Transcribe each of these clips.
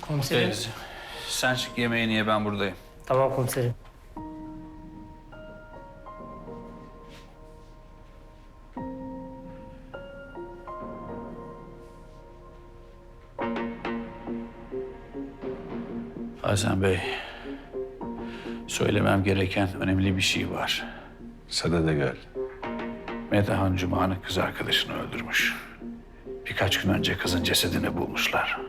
Komiserim. Sen çık yemeğini ye, ben buradayım. Tamam komiserim. Hasan Bey, söylemem gereken önemli bir şey var. Sana gel. Metehan Cuma'nın kız arkadaşını öldürmüş. Birkaç gün önce kızın cesedini bulmuşlar.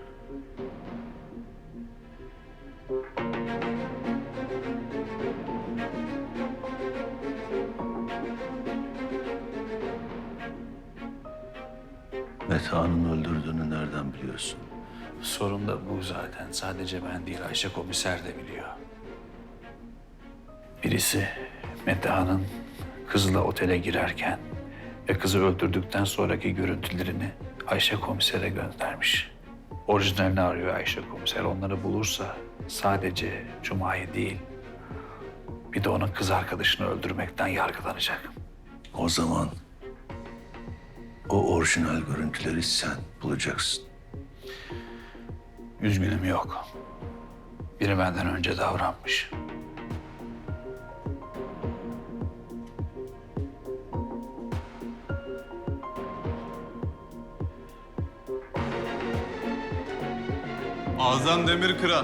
Metehan'ın öldürdüğünü nereden biliyorsun? Sorun da bu zaten. Sadece ben değil, Ayşe komiser de biliyor. Birisi Metehan'ın kızla otele girerken ve kızı öldürdükten sonraki görüntülerini Ayşe komisere göndermiş. Orijinalini arıyor Ayşe komiser. Onları bulursa sadece Cuma'yı değil, bir de onun kız arkadaşını öldürmekten yargılanacak. O zaman o orijinal görüntüleri sen bulacaksın. Üzgünüm, yok. Biri benden önce davranmış. Azam Demirkıran.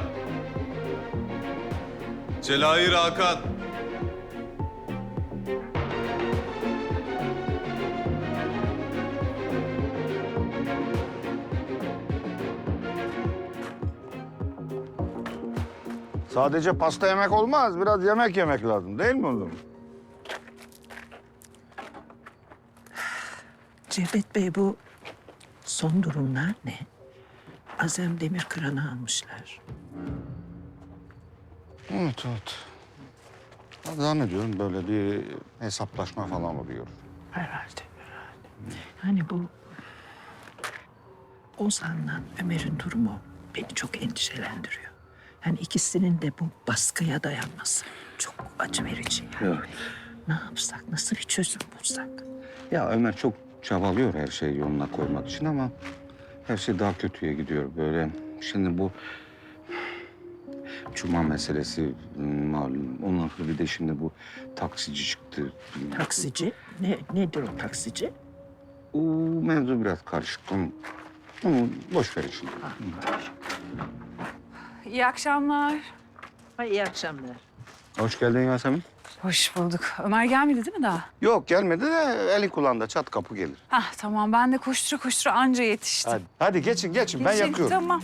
Celahir Hakan. Sadece pasta yemek olmaz. Biraz yemek yemek lazım değil mi oğlum? Cevdet Bey, bu son durumlar ne? Azem Demirkıran'ı almışlar. Evet. Ben zannediyorum böyle bir hesaplaşma falan oluyor. Herhalde. Yani bu Ozan'la Ömer'in durumu beni çok endişelendiriyor. Yani ikisinin de bu baskıya dayanması çok acı verici yani. Evet. Ne yapsak, nasıl bir çözüm bulsak? Ya Ömer çok çabalıyor her şeyi yoluna koymak için ama her şey daha kötüye gidiyor böyle. Şimdi bu Cuma meselesi malum. Ondan sonra bir de şimdi bu taksici çıktı. Taksici? Nedir o taksici? O mevzu biraz karışık. Onu boş verin şimdi. İyi akşamlar. İyi akşamlar. Hoş geldin Yasemin. Hoş bulduk. Ömer gelmedi değil mi daha? Yok gelmedi de eli kulağında çat kapı gelir. Hah tamam, ben de koştura koştura anca yetiştim. Hadi geçin ben Geçin, yakıyorum. Tamam.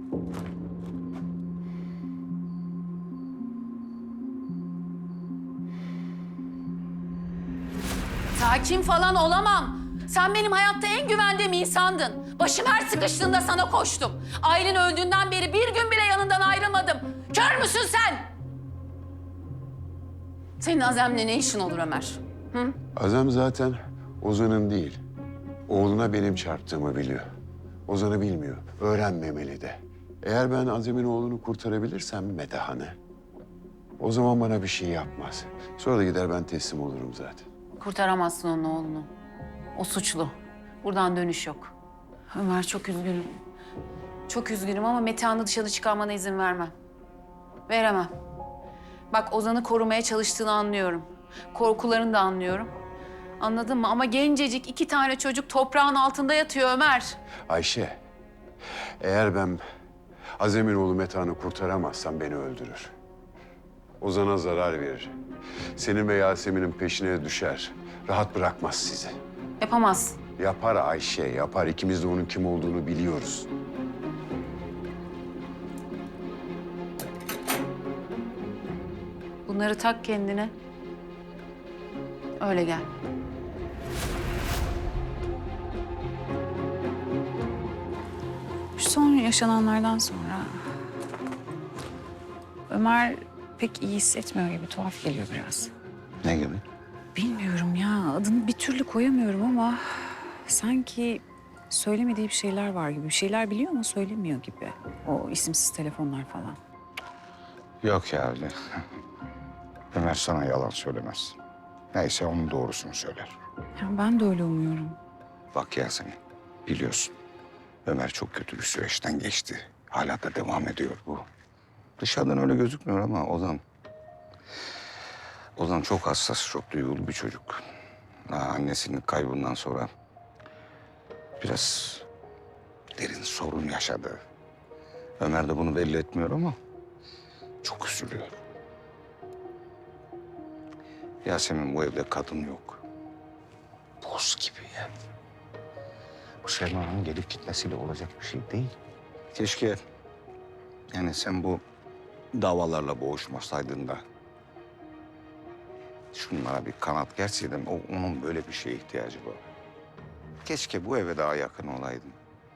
Sakin falan olamam. Sen benim hayatta en güvendiğim insandın. Başım her sıkıştığında sana koştum. Aylin öldüğünden beri bir gün bile yanından ayrılmadım. Kör müsün sen? Senin Azem'le ne işin olur Ömer? Hı? Azam zaten Ozan'ın değil. Oğluna benim çarptığımı biliyor. Ozan'ı bilmiyor. Öğrenmemeli de. Eğer ben Azem'in oğlunu kurtarabilirsem Metehan'ı, o zaman bana bir şey yapmaz. Sonra da gider ben teslim olurum zaten. Kurtaramazsın onun oğlunu. O suçlu. Buradan dönüş yok. Ömer çok üzgünüm. Çok üzgünüm ama Metehan'ı dışarı çıkarmana izin vermem. Veremem. Bak, Ozan'ı korumaya çalıştığını anlıyorum. Korkularını da anlıyorum. Anladın mı? Ama gencecik 2 tane çocuk toprağın altında yatıyor Ömer. Ayşe, eğer ben Azem'in oğlu Metehan'ı kurtaramazsam beni öldürür. Ozan'a zarar verir. Senin ve Yasemin'in peşine düşer. Rahat bırakmaz sizi. Yapamaz. Yapar Ayşe, yapar. İkimiz de onun kim olduğunu biliyoruz. Bunları tak kendine. Öyle gel. Şu son yaşananlardan sonra Ömer pek iyi hissetmiyor gibi, tuhaf geliyor biraz. Ne gibi? Bilmiyorum ya, adını bir türlü koyamıyorum ama sanki söylemediği bir şeyler var gibi. Bir şeyler biliyor ama söylemiyor gibi. O isimsiz telefonlar falan. Yok ya öyle. Ömer sana yalan söylemez. Neyse onun doğrusunu söyler. Ya ben de öyle umuyorum. Bak Yasemin, biliyorsun Ömer çok kötü bir süreçten geçti. Hala da devam ediyor bu. Dışarıdan öyle gözükmüyor ama Ozan çok hassas, çok duygulu bir çocuk. Annesinin kaybından sonra biraz derin sorun yaşadı. Ömer de bunu belli etmiyor ama çok üzülüyor. Yasemin, bu evde kadın yok. Buz gibi ya. Bu Selma'nın gelip gitmesiyle olacak bir şey değil. Keşke yani sen bu davalarla boğuşmasaydın da şunlara bir kanat gerseydin, onun böyle bir şeye ihtiyacı var. Keşke bu eve daha yakın olaydın.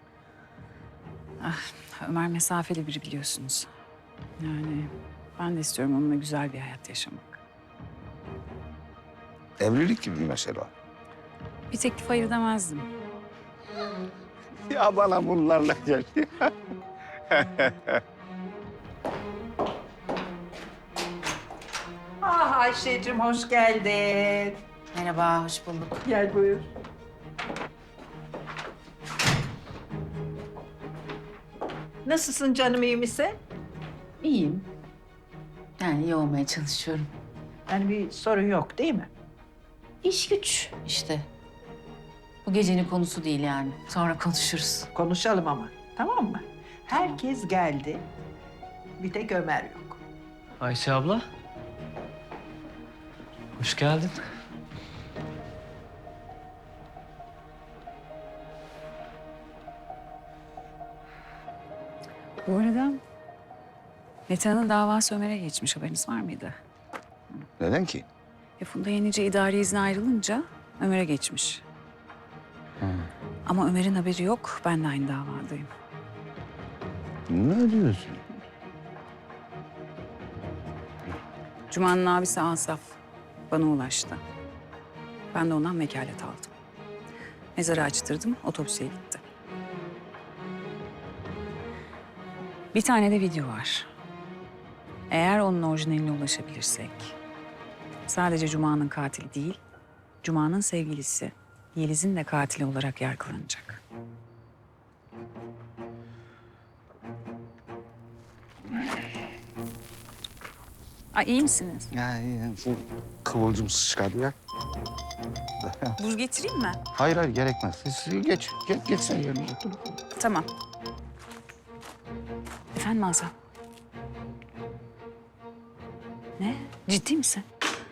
Ömer mesafeli biri biliyorsunuz. Yani ben de istiyorum onunla güzel bir hayat yaşamak. Evlilik gibi mesela. Bir teklif hayır demezdim. Ya bana bunlarla gel. Ah Ayşe'cim hoş geldin. Merhaba, hoş bulduk. Gel buyur. Nasılsın canım, iyi misin? İyiyim. Yani iyi olmaya çalışıyorum. Yani bir sorun yok değil mi? İş güç işte. Bu gecenin konusu değil yani. Sonra konuşuruz. Konuşalım ama, tamam mı? Herkes geldi. Bir tek Ömer yok. Ayşe abla. Hoş geldin. Bu arada Metehan'ın davası Ömer'e geçmiş, haberiniz var mıydı? Neden ki? Funda Yenice idari izne ayrılınca Ömer'e geçmiş. Ama Ömer'in haberi yok, ben de aynı davadayım. Ne diyorsun? Cuma'nın abisi Asaf bana ulaştı. Ben de ondan vekalet aldım. Mezarı açtırdım, otopsiye gitti. Bir tane de video var. Eğer onun orijinaline ulaşabilirsek... sadece Cuma'nın katili değil, Cuma'nın sevgilisi Yeliz'in de katili olarak yargılanacak. Ay, iyi misiniz? Yani şu kıvılcım sıçradı ya. Buz getireyim mi? Hayır gerekmez. Siz geç sen yerine otur. Tamam. Efendim Azam? Ne? Ciddi misin?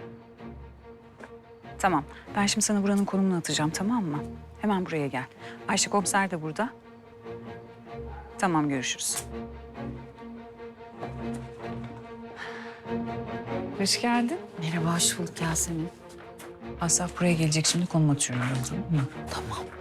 Tamam. Ben şimdi sana buranın konumunu atacağım, tamam mı? Hemen buraya gel. Ayşe komiser de burada. Tamam, görüşürüz. Hoş geldin. Merhaba, hoş bulduk Yasemin. Asaf buraya gelecek, şimdi konum atıyorum. Tamam mı? Tamam.